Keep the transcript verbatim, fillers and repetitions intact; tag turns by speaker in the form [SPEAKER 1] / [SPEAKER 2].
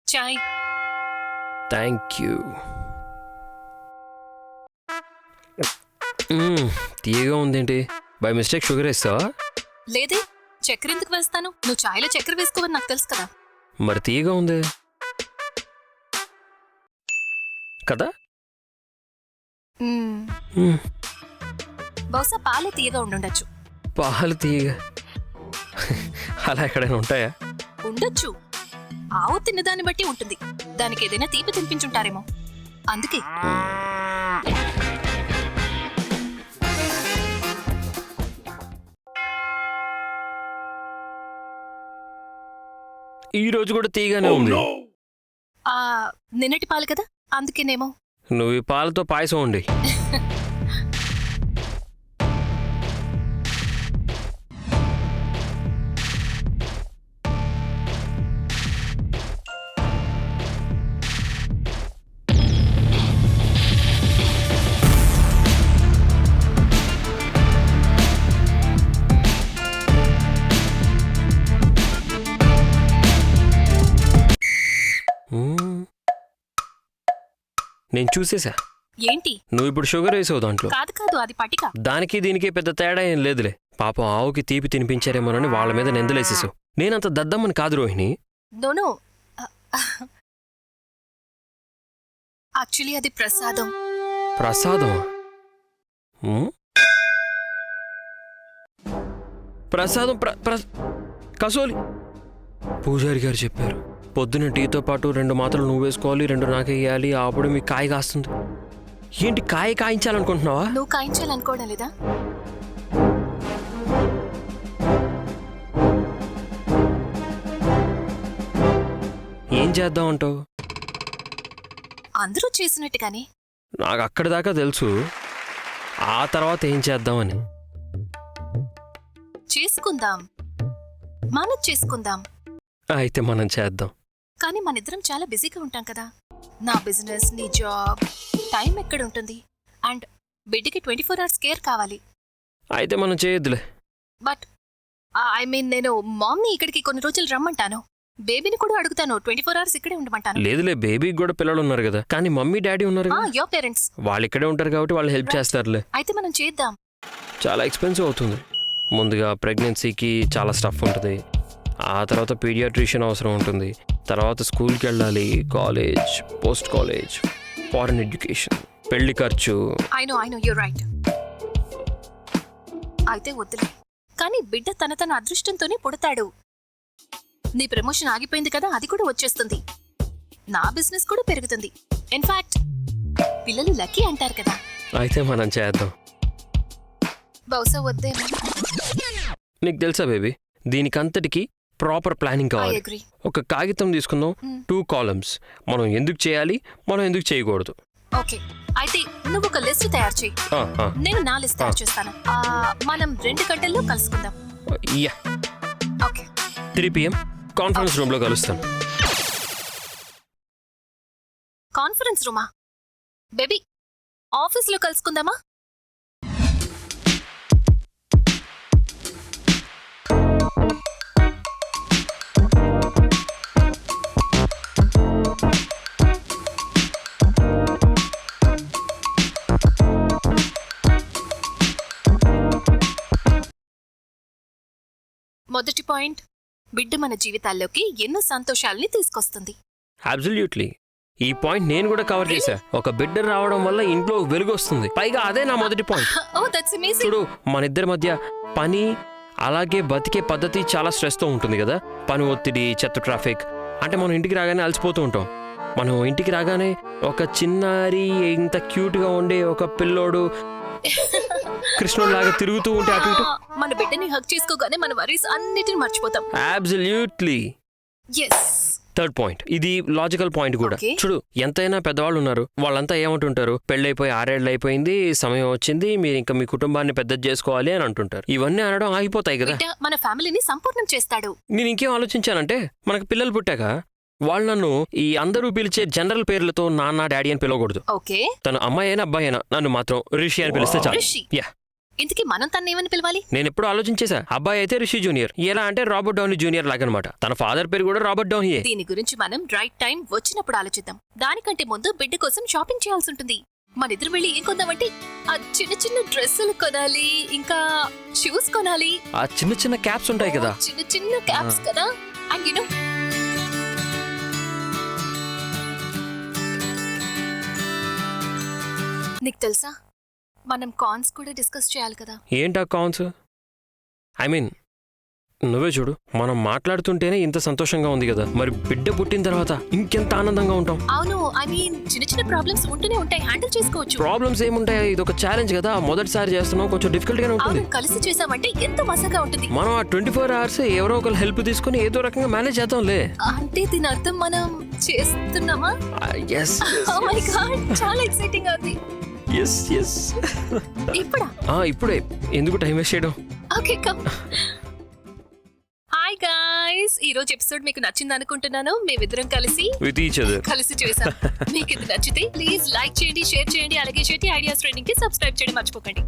[SPEAKER 1] Chai.
[SPEAKER 2] Thank you. తీయగా ఉందేంటి? By mistake sugar వేస్తావా?
[SPEAKER 1] లేదే, చక్కెర ఎందుకు వేస్తాను? నువ్వు చాయ్లో చక్కెర వేసుకోవని నాకు తెలుసు కదా.
[SPEAKER 2] మరి తీయగా ఉంది కదా.
[SPEAKER 1] మ్మ్.
[SPEAKER 2] మ్మ్.
[SPEAKER 1] బహుశా పాలే తీయగా ఉండుండొచ్చు.
[SPEAKER 2] పాలు తీయగా అలా ఎక్కడైనా ఉంటాయా?
[SPEAKER 1] ఉండొచ్చు. ఆవు తిన్నదాన్ని బట్టి ఉంటుంది. దానికి ఏదైనా తీపి తినిపించుంటారేమో, అందుకే.
[SPEAKER 2] ఈ రోజు కూడా తీయగానే ఉంది.
[SPEAKER 1] ఆ నిన్నటి పాలు కదా, అందుకేనేమో.
[SPEAKER 2] నువ్వు ఈ పాలతో పాయసం ఉండి. నేను చూసేసా.
[SPEAKER 1] ఏంటి?
[SPEAKER 2] నువ్వు ఇప్పుడు షుగర్ వేసావు దాంట్లో.
[SPEAKER 1] కాదు కాదు, అది పటిక.
[SPEAKER 2] దానికి దీనికి పెద్ద తేడా ఏం లేదులే. పాపం ఆవుకి తీపి తినిపించారేమోనని వాళ్ళ మీద నిందలేసేసావు. నేనంత దద్దమ్మని కాదు రోహిణి.
[SPEAKER 1] నోను, యాక్చువల్లీ అది ప్రసాదం.
[SPEAKER 2] ప్రసాదం? ప్రసాదం ప్ర ప్ర కసోలి. పూజారి గారు చెప్పారు, పొద్దున టీతో పాటు రెండు మాత్రలు నువ్వు వేసుకోవాలి, రెండు నాకే వేయాలి, అప్పుడు మీకు కాయ కాస్తుంది. ఏంటి కాయ కాయించాలనుకుంటున్నావా?
[SPEAKER 1] నువ్వు కాయించాలనుకోవడం లేదా?
[SPEAKER 2] ఏం చేద్దాం అంటావు?
[SPEAKER 1] అందరూ చేసినట్టుగానే.
[SPEAKER 2] నాకు అక్కడి దాకా తెలుసు, ఆ తర్వాత ఏం చేద్దామని.
[SPEAKER 1] చేసుకుందాం, మనం చేసుకుందాం.
[SPEAKER 2] అయితే మనం చేద్దాం.
[SPEAKER 1] కానీ మనిద్దరం చాలా బిజీగా ఉంటాం కదా. నా బిజినెస్, నీ జాబ్, టైం ఎక్కడ ఉంటుంది? అండ్ బిడ్డకి ట్వంటీ ఫోర్ అవర్స్ కేర్ కావాలి.
[SPEAKER 2] అయితే మనం చేయొద్దులే.
[SPEAKER 1] బట్ ఐ మీన్, నేను మామ్ని ఇక్కడికి కొన్ని రోజులు రమ్మంటాను. బేబీని కూడా అడుగుతాను, ట్వంటీ ఫోర్ అవర్స్ ఇక్కడే ఉండమంటాను.
[SPEAKER 2] లేదులే, బేబీకి కూడా పిల్లలు ఉన్నారు కదా. కానీ మమ్మీ డాడీ ఉన్నారు కదా.
[SPEAKER 1] యువర్ పేరెంట్స్
[SPEAKER 2] వాళ్ళు ఇక్కడే ఉంటారు కాబట్టి వాళ్ళు హెల్ప్ చేస్తారులే.
[SPEAKER 1] అయితే మనం చేద్దాం.
[SPEAKER 2] చాలా ఎక్స్పెన్సివ్ అవుతుంది. ముందుగా ప్రెగ్నెన్సీకి చాలా స్టఫ్ ఉంటుంది, ఆ తర్వాత పీడియాట్రిషియన్ అవసరం ఉంటుంది, తర్వాత స్కూల్కి వెళ్ళాలి, college, post college, foreign education, పెళ్లి ఖర్చు.
[SPEAKER 1] I know I know your right. అయితే వద్దులే. కానీ బిడ్డ తన తన అదృష్టంతోనే పుడతాడు. నీ ప్రమోషన్ ఆగిపోయింది కదా, అది కూడా వచ్చేస్తుంది. నా బిజినెస్ కూడా పెరుగుతుంది. ఇన్ఫాక్ట్ పిల్లలు లక్కీ అంటారు కదా.
[SPEAKER 2] అయితే మనం చేద్దాం.
[SPEAKER 1] బహుశా వద్దేమో.
[SPEAKER 2] నీకు తెలుసా బేబీ, దీనికంతటికి ప్రాపర్ ప్లానింగ్ కావాలి. ఒక కాగితం తీసుకుందాం, టూ కాలమ్స్. మనం ఎందుకు చేయాలి, మనం ఎందుకు చేయకూడదు.
[SPEAKER 1] ఓకే, అయితే నువ్వు ఒక లిస్ట్ తయారు చేయి, నేను నా లిస్ట్ తయారు చేస్తాను. మనం రెండు గంటల్లో కలుసుకుందాం.
[SPEAKER 2] Yeah,
[SPEAKER 1] okay.
[SPEAKER 2] Three PM conference room లో కలుస్తాను.
[SPEAKER 1] కాన్ఫరెన్స్ రూమా? బేబీ, ఆఫీస్ లో కలుసుకుందామా? మొదటి పాయింట్, బిడ్డ మన జీవితాల్లోకి ఎన్నో సంతోషాలని తీసుకొస్తుంది.
[SPEAKER 2] అబ్సల్యూట్లీ. ఈ పాయింట్ నేను కూడా కవర్ చేశా. ఒక బిడ్డ రావడం వల్ల ఇంట్లో వెలుగు వస్తుంది. పైగా అదే నా మొదటి పాయింట్. చూడు, మన ఇద్దరి మధ్య పని అలాగే బతికే పద్ధతి చాలా స్ట్రెస్ తో ఉంటుంది కదా. పని ఒత్తిడి, చెత్త, ట్రాఫిక్. అంటే మనం ఇంటికి రాగానే అలసిపోతూ ఉంటాం. మనం ఇంటికి రాగానే ఒక చిన్నారి, ఇంత క్యూట్ గా ఉండే ఒక పిల్లోడు కృష్ణుడు లాగా తిరుగుతూ ఉంటే అటు ఇటు.
[SPEAKER 1] మన బిడ్డని హగ్ చేసుకోగానే మన వరీస్ అన్నిటిని మర్చిపోతాం.
[SPEAKER 2] అబ్సల్యూట్లీ.
[SPEAKER 1] yes.
[SPEAKER 2] థర్డ్ పాయింట్, ఇది లాజికల్ పాయింట్ కూడా. చూడు, ఎంతైనా పెద్దవాళ్ళు ఉన్నారు, వాళ్ళంతా ఏమంటుంటారు, పెళ్ళైపోయి ఆరేళ్ళు అయిపోయింది, సమయం వచ్చింది, మీరు ఇంకా మీ కుటుంబాన్ని పెద్దది చేసుకోవాలి అని అంటుంటారు. ఇవన్నీ అనడం ఆగిపోతాయి కదా.
[SPEAKER 1] మన ఫ్యామిలీని సంపూర్ణం చేస్తాడు.
[SPEAKER 2] నేను ఇంకేం ఆలోచించానంటే, మనకు పిల్లలు పుట్టాక వాళ్ళు నన్ను ఈ అందరూ పిలిచే జనరల్ పేర్లతో నాన్న, డాడీ అని పిలవకూడదు.
[SPEAKER 1] ఓకే.
[SPEAKER 2] తను అమ్మాయి అయినా అబ్బాయి అయినా నన్ను మాత్రం రిషి అని పిలిస్తే చాలు. యా.
[SPEAKER 1] ఇంతకీ మనం తన ఏమని పిలవాలి?
[SPEAKER 2] నేను ఎప్పుడు ఆలోచించేసా. అబ్బాయి అయితే రిషి జూనియర్, ఎలా అంటే రాబర్ట్ డౌనీ జూనియర్ లాగనమాట. తన ఫాదర్ పేరు కూడా రాబర్ట్ డౌనీయే.
[SPEAKER 1] దీని గురించి మనం రైట్ టైం వచ్చినప్పుడు ఆలోచిద్దాం. దానికంటే ముందు బిడ్డ కోసం షాపింగ్ చేయాల్సి ఉంటుంది. మన ఇద్దరు వెళ్ళి ఏం కొందామంటే ఆ చిన్న చిన్న డ్రెస్సులు కొనాలి, ఇంకా షూస్ కొనాలి.
[SPEAKER 2] ఆ చిన్న చిన్న క్యాప్స్ ఉంటాయి కదా,
[SPEAKER 1] చిన్న చిన్న క్యాప్స్ కదా. అండ్ యు నో నీకు తెలుసా, మనం కాన్స్ కూడా డిస్కస్ చేయాలి కదా.
[SPEAKER 2] ఏంటా కాన్స్? ఐ మీన్ నువ్వే చూడు, మనం మాట్లాడుతుంటేనే ఇంత సంతోషంగా ఉంది కదా, మరి బిడ్డ పుట్టిన తర్వాత ఇంకెంత ఆనందంగా ఉంటాం.
[SPEAKER 1] అవును, ఐ మీన్ చిన్న చిన్న ప్రాబ్లమ్స్ ఉంటూనే ఉంటాయి, హ్యాండిల్ చేసుకోవచ్చు.
[SPEAKER 2] ప్రాబ్లమ్స్ ఏముంటాయి, ఇది ఒక ఛాలెంజ్ కదా, మొదటిసారి చేస్తున్నాం, కొంచెం డిఫికల్ట్ గానే ఉంటుంది.
[SPEAKER 1] అవును, కలిసి చేసామంటే ఎంత మజాగా ఉంటుంది.
[SPEAKER 2] మనం ఆ ట్వంటీ ఫోర్ అవర్స్ ఎవరో ఒకరు హెల్ప్ తీసుకుని ఏదో రకంగా మేనేజ్ చేద్దాంలే.
[SPEAKER 1] అంటే దీని అర్థం మనం చేస్తున్నామా?
[SPEAKER 2] yes yes,
[SPEAKER 1] oh my
[SPEAKER 2] yes.
[SPEAKER 1] God, చాలా ఎక్సైటింగ్ ఉంది.
[SPEAKER 2] yes yes
[SPEAKER 1] ఇప్పుడా?
[SPEAKER 2] ఆ ఇప్పుడే, ఎందుకు టైం వేస్ట్ చేయడం.
[SPEAKER 1] Okay come. హాయ్ గైస్, ఈ రోజు ఎపిసోడ్ మీకు నచ్చింది అనుకుంటున్నాను. మేమిద్దరం కలిసి
[SPEAKER 2] విత్ ఈచ్ అదర్
[SPEAKER 1] కలిసి చేసాం. మీకు ఇది నచ్చితే ప్లీజ్ లైక్ చేయండి, షేర్ చేయండి, అలాగే చేయండి. ఐడియాస్ ట్రైనింగ్ కి సబ్స్క్రైబ్ చేయడం మర్చిపోకండి.